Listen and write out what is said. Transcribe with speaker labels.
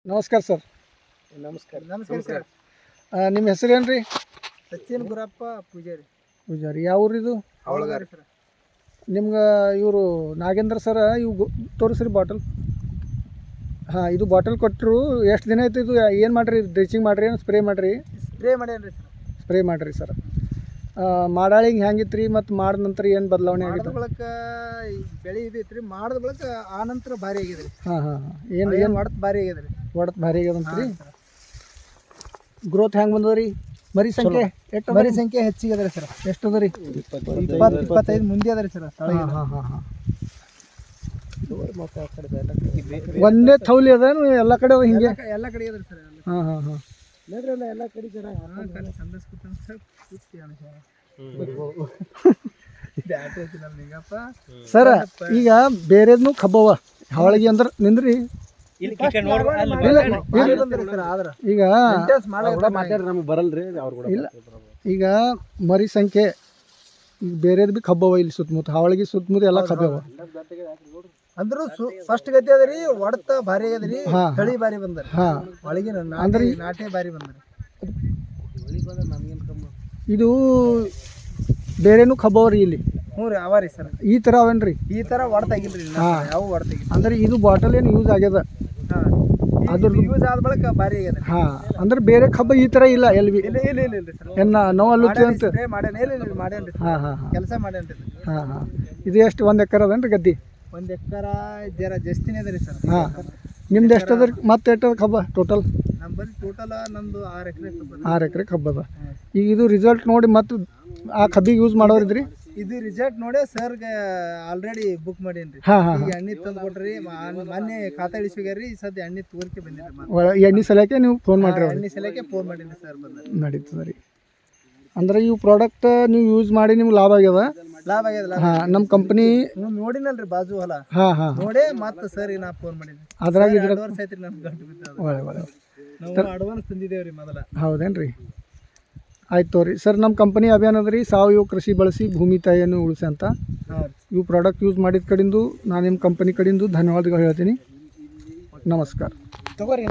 Speaker 1: ನಮಸ್ಕಾರ ಸರ್.
Speaker 2: ನಮಸ್ಕಾರ ನಮಸ್ಕಾರ ಸರ್.
Speaker 1: ನಿಮ್ಮ ಹೆಸರೇನು ರೀ?
Speaker 2: ಸಚಿನ್ ಗುರಪ್ಪ ಪೂಜಾರಿ.
Speaker 1: ಪೂಜಾರಿ. ಯಾವ ಊರಿದು?
Speaker 2: ಅವಳಗಾರಿ ಸರ್.
Speaker 1: ನಿಮ್ಗೆ ಇವರು ನಾಗೇಂದ್ರ ಸರ ಇವು ತೋರಿಸ್ರಿ ಬಾಟಲ್. ಹಾಂ, ಇದು ಬಾಟಲ್ ಕೊಟ್ಟರು. ಎಷ್ಟು ದಿನ ಆಯ್ತು ಇದು? ಏನು ಮಾಡಿರಿ? ಡ್ರಿಚಿಂಗ್ ಮಾಡಿರಿ ಏನು ಸ್ಪ್ರೇ ಮಾಡಿರಿ?
Speaker 2: ಸ್ಪ್ರೇ ಮಾಡ್ಯಾನ್ರಿ ಸರ್.
Speaker 1: ಸ್ಪ್ರೇ ಮಾಡಿರಿ ಸರ್. ಮಾಡಾಳಿಂಗೆ ಹೆಂಗಿತ್ತು ರೀ? ಮತ್ತು ಮಾಡಿದ ನಂತರ ಏನು ಬದಲಾವಣೆ
Speaker 2: ಮಾಡಿದ
Speaker 1: ಆಗಿತ್ತು?
Speaker 2: ಬಳಕ ಬೆಳೆ ಇದೈತೆ ರೀ. ಮಾಡಿದ ಬಳಕ ಆ ನಂತರ ಭಾರಿ ಆಗಿದೆ ರೀ.
Speaker 1: ಹಾಂ ಹಾಂ ಹಾಂ. ಏನು
Speaker 2: ಏನು ಹೊಡೆದು ಭಾರಿ ಆಗಿದೆ ರೀ.
Speaker 1: ಒಡತ್ ಭಾರಿ ಆಗ್ಯದಂತ ರೀ. ಗ್ರೋತ್ ಹೆಂಗೆ ಬಂದದ ರೀ? ಮರಿ ಸಂಖ್ಯೆ ಎಷ್ಟು?
Speaker 2: ಮರಿ ಸಂಖ್ಯೆ ಹೆಚ್ಚಿಗೆ ಅದ ರೀ ಸರ್.
Speaker 1: ಎಷ್ಟು ಅದ ರೀ?
Speaker 2: 20-25 ಮುಂದೆ ಅದ ರೀ ಸರ್.
Speaker 1: ಹಾಂ ಹಾಂ ಹಾಂ ಹಾಂ. ಒಂದೇ ಥೌಲಿ ಅದ ಎಲ್ಲ ಕಡೆ ಅದ ಹಿಂಗೆ?
Speaker 2: ಎಲ್ಲ ಕಡೆ ಅದ ರೀ ಸರ್.
Speaker 1: ಹಾಂ ಹಾಂ ಹಾಂ.
Speaker 2: ನೋಡ್ರಲ್ಲ ಎಲ್ಲ ಕಡೆ ಜರ ಸಂದರ್ಸ್ಕೊತಾನೆ ಸರ್.
Speaker 1: ಸರ, ಈಗ ಬೇರೆದ್ನು ಖಬ್ಬವ ಹಾವಳಿಗೆ ಅಂದ್ರೆ ನಿಂದ್ರಿ. ಈಗ ಇಲ್ಲ, ಈಗ ಮರಿ ಸಂಖ್ಯೆ ಈಗ ಬೇರೆದ್ ಬಿ ಖಬ್ಬವ. ಇಲ್ಲಿ ಸುತ್ತಮುತ್ತ ಹಾವಳಿಗೆ ಸುತ್ತಮುತ್ತ ಎಲ್ಲ ಖಬ್ಬವ.
Speaker 2: ಅಂದ್ರೂ ಫಸ್ಟ್ ಗತಿ ಅದ ರೀ. ಹೊಡ್ತ ಭಾರಿ ಆಗ್ಯದ ರೀ. ತಳಿ ಭಾರಿ ಬಂದ್ರಿ.
Speaker 1: ಹಾಂ,
Speaker 2: ಒಳಗಿನ
Speaker 1: ಅಂದ್ರೆ
Speaker 2: ನಾಟೆ ಭಾರಿ ಬಂದ್ರಿ.
Speaker 1: ಇದು ಬೇರೆನೂ ಖಬ್ಬವ ರೀ ಇಲ್ಲಿ?
Speaker 2: ಹ್ಞೂ ರೀ, ಅವ ರೀ ಸರ್.
Speaker 1: ಈ ಥರ ಅವೇನ್ರಿ?
Speaker 2: ಈ ಥರ ಹೊಡ್ತಾಗಿಲ್ರಿ. ಯಾವ ಹೊಡ್ತಾಗಿಲ್ಲ.
Speaker 1: ಅಂದ್ರೆ ಇದು ಬಾಟಲ್ ಏನು ಯೂಸ್ ಆಗ್ಯದ?
Speaker 2: ಅದ್ರ ಯೂಸ್ ಆದ ಬಳಿಕ ಭಾರಿ ಆಗ್ಯದ.
Speaker 1: ಹಾಂ, ಅಂದ್ರೆ ಬೇರೆ ಖಬ್ಬ ಈ ಥರ ಇಲ್ಲ ಎಲ್ಲಿ ಬಿ?
Speaker 2: ಇಲ್ಲ ಇಲ್ಲ ಇಲ್ಲ ಇಲ್ಲ ಸರ್.
Speaker 1: ಏನು ನೋವು ಅಲ್ಲುತ್ತೆ ಅಂತ?
Speaker 2: ಮಾಡ್ಯಾನ. ಇಲ್ಲ ಇಲ್ಲ ಮಾಡ್ಯಾನ್ರಿ.
Speaker 1: ಹಾಂ ಹಾಂ ಹಾಂ.
Speaker 2: ಕೆಲಸ ಮಾಡ್ಯಾನ್ರಿ.
Speaker 1: ಹಾಂ ಹಾಂ. ಇದು ಎಷ್ಟು? 1 ಎಕರೆ ಅದೇನ್ರಿ ಗದ್ದಿ?
Speaker 2: 1 ಎಕರೆ ಜರ ಜಾಸ್ತಿನೇ ಅದ ರೀ ಸರ್.
Speaker 1: ಹಾಂ. ನಿಮ್ದು ಎಷ್ಟು ಅದ ರೀ? ಮತ್ತೆ ಎಷ್ಟು ಅದ ಖಬ್ಬ ಟೋಟಲ್?
Speaker 2: ನಮ್ಮ ಬರೀ ಟೋಟಲ್ ನಂದು 6 ಎಕರೆ.
Speaker 1: 6 ಎಕರೆ ಖಬ್ಬ ಅದ. ಈಗ ಇದು ರಿಸಲ್ಟ್ ನೋಡಿ ಮತ್ತು ಆ ಖಬ್ಬಿಗೆ ಯೂಸ್ ಮಾಡೋರಿದ್ರಿ?
Speaker 2: ಇದು ರಿಸಲ್ಟ್ ನೋಡಿ ಸರ್ಗೆ ಆಲ್ರೆಡಿ ಬುಕ್ ಮಾಡೇನ್ರಿ.
Speaker 1: ಹಾಂ ಹಾಂ.
Speaker 2: ಈಗ ಎಣ್ಣೆ ತಂದು ಕೊಟ್ರಿ. ಮೊನ್ನೆ ಖಾತಾ ಇಳಿಸ್ಬೇಕ್ರಿ. ಸದ್ಯ ಎಣ್ಣೆ ತೋರಿಕೆ ಬಂದಿರಿ.
Speaker 1: ಎಣ್ಣೆ ಸಲಕ್ಕೆ ನೀವು ಫೋನ್ ಮಾಡಿರಿ?
Speaker 2: ಎಣ್ಣೆ ಸಲಕ್ಕೆ ಫೋನ್ ಮಾಡೀನಿ ಸರ್.
Speaker 1: ನಡೀತದೆ ರೀ. ಅಂದ್ರೆ ಇವು ಪ್ರಾಡಕ್ಟ್ ನೀವು ಯೂಸ್ ಮಾಡಿ ನಿಮ್ಗೆ ಲಾಭ ಆಗ್ಯದ?
Speaker 2: ಲಾಭ ಆಗ್ಯದ.
Speaker 1: ಹಾಂ, ನಮ್ಮ ಕಂಪ್ನಿ
Speaker 2: ನೋಡಿನಲ್ರಿ ಬಾಜು ಹೊಲ.
Speaker 1: ಹಾಂ ಹಾಂ.
Speaker 2: ನೋಡೇ ಮತ್ತೆ ಸರ್ ನಾ ಫೋನ್ ಮಾಡಿದ್ದೆ.
Speaker 1: ಅದ್ರಾಗ
Speaker 2: ಅಡ್ವಾನ್ಸ್ ಐತ್ರಿ ನಮ್ಗೆ ಗಂಟು ಬಿದ್ದದ.
Speaker 1: ಒಳ್ಳೆ ಒಳ್ಳೆ.
Speaker 2: ನಾವು ಅಡ್ವಾನ್ಸ್ ತಂದಿದ್ದೇವ್ರಿ ಮೊದಲ.
Speaker 1: ಹೌದೇನ್ರಿ? ಆಯ್ತು ತೋರಿ ಸರ್. ನಮ್ಮ ಕಂಪನಿ ಅಭಿಯಾನ ಅದ ರೀ, ಸಾವಯವ ಕೃಷಿ ಬಳಸಿ ಭೂಮಿ ತಾಯಿಯನ್ನು ಉಳಿಸಿ ಅಂತ. ಇವು ಪ್ರಾಡಕ್ಟ್ ಯೂಸ್ ಮಾಡಿದ ಕಡೆಂದು ನಾನು ನಿಮ್ಮ ಕಂಪನಿ ಕಡೆಯಿಂದ ಧನ್ಯವಾದಗಳು ಹೇಳ್ತೀನಿ. ನಮಸ್ಕಾರ.
Speaker 2: ತಗೋರಿ.